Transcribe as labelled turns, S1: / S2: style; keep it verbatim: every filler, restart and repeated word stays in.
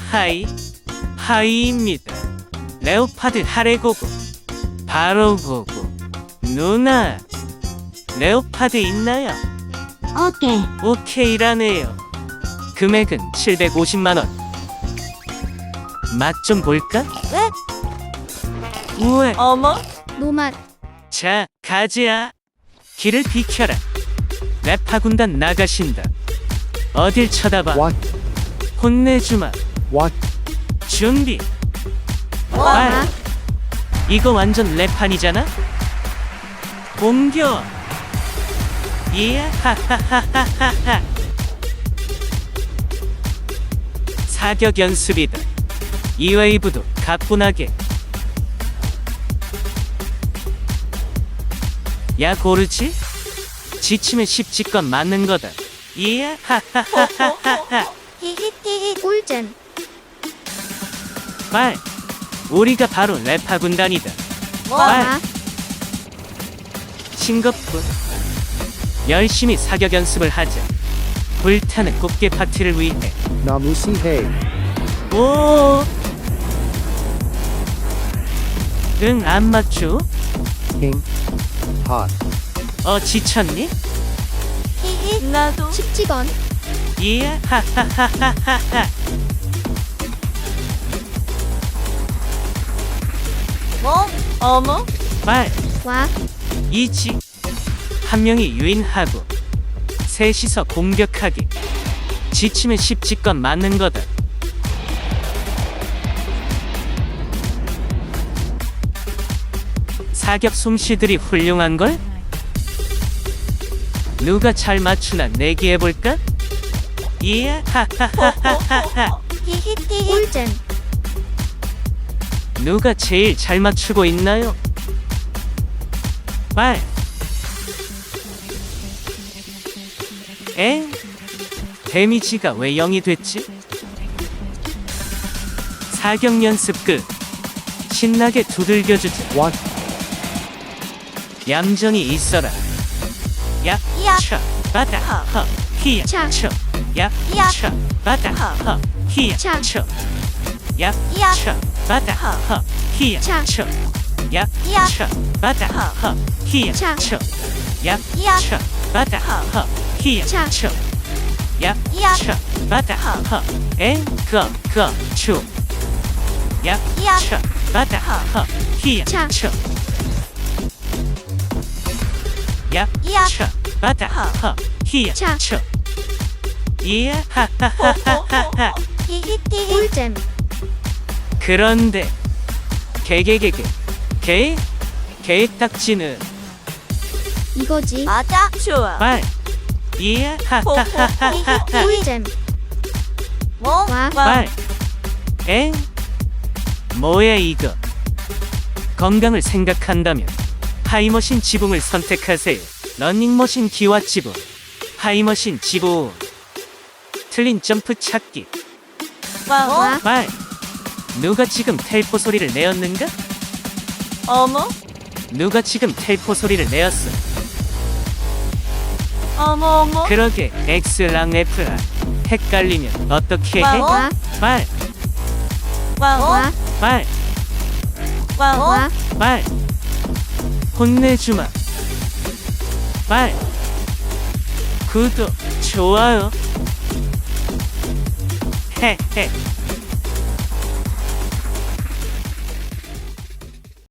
S1: 하이 하이입니다. 레오파드 하레고고 바로 고고. 누나 레오파드 있나요?
S2: 오케이.
S1: 오케이라네요. 금액은 칠백오십만 원. 맛 좀 볼까?
S3: 왜?
S1: 우와.
S3: 어머?
S2: 노맛.
S1: 자, 가지야. 길을 비켜라. 래파 군단 나가신다. 어딜 쳐다봐.
S4: What?
S1: 혼내주마.
S4: What?
S1: 준비.
S3: 와.
S1: 말. 이거 완전 래판이잖아? 공격. 예, 하하하하하하. 사격 연습이다. 이 웨이브도 가뿐하게. 야, 고르지? 지치면 십지건 맞는 거다. 예, 하하하하하하.
S3: 히히히히.
S2: 꿀잼.
S1: 말. 우리가 바로 래파 군단이다.
S3: 와.
S2: 와.
S1: 싱겁군. 열심히 사격 연습을 하자. 불타는 꽃게 파티를 위해.
S4: Namusi hey.
S1: 오. 응, 안 맞추?
S4: King. Hot.
S1: 어, 지쳤니?
S3: 히히. 나도.
S2: 십지건.
S1: 예, 하하하하하하.
S3: 뭐? 어머?
S1: 말.
S2: 와.
S1: 이지. 한 명이 유인하고 셋이서 공격하기. 지치면 십지건 맞는 거다. 사격 솜씨들이 훌륭한걸? 누가 잘 맞추나 내기해볼까? 예, 하하하하하하.
S3: 히히히히.
S2: 꿀잼.
S1: 누가 제일 잘 맞추고 있나요? 말. 엥? 데미지가 왜 영이 됐지? 사격 연습 끝. 신나게 두들겨주자.
S4: What?
S1: 얌전히 있어라. 야,
S3: 야.
S1: 차, 바다, 허, 히야,
S2: 차.
S1: 쳐, 야,
S3: 야.
S1: 차, 바다, 허, 히야,
S2: 차.
S1: 쳐, 야,
S3: 야.
S1: 차, 바다, 허, 히야,
S2: 차.
S1: 쳐, 야,
S3: 야.
S1: 차, 바다, 허, 히야,
S2: 차.
S1: 쳐, 야,
S3: 야.
S1: 차, 바다, 허, 히야,
S2: 차.
S1: 쳐, 야,
S3: 야.
S1: 차, 바다, 허, 엥, 거, 거, 추, 야,
S3: 야.
S1: 차, 바다, 허, 히야,
S2: 차.
S1: 쳐, 야,
S3: 야.
S1: 차, 바다, 허, 히야,
S2: 차.
S1: 쳐. 예, 하하하하하.
S3: 히히히히.
S2: 꿀잼.
S1: 그런데 개개개개 개 개딱지는
S2: 이거지.
S3: 맞아. 좋아.
S1: 말. 예, 하하하하하.
S2: 꿀잼.
S3: 뭐?
S2: 와.
S1: 말. 엥? 뭐야 이거? 건강을 생각한다면 하이머신 지붕을 선택하세요. 러닝머신 기와 지붕. 하이머신 지붕. 틀린 점프 찾기.
S3: 와.
S2: 와.
S1: 말. 누가 지금 텔포 소리를 내었는가?
S3: 어머?
S1: 누가 지금 텔포 소리를 내었어?
S3: 어머 어머.
S1: 그러게 X랑 F랑 헷갈리면 어떻게 해?
S3: 와.
S2: 와.
S1: 말.
S3: 와.
S2: 와.
S1: 말.
S3: 와.
S2: 와.
S1: 말. 혼내주마. 말. 구독, 좋아요. 헤헤.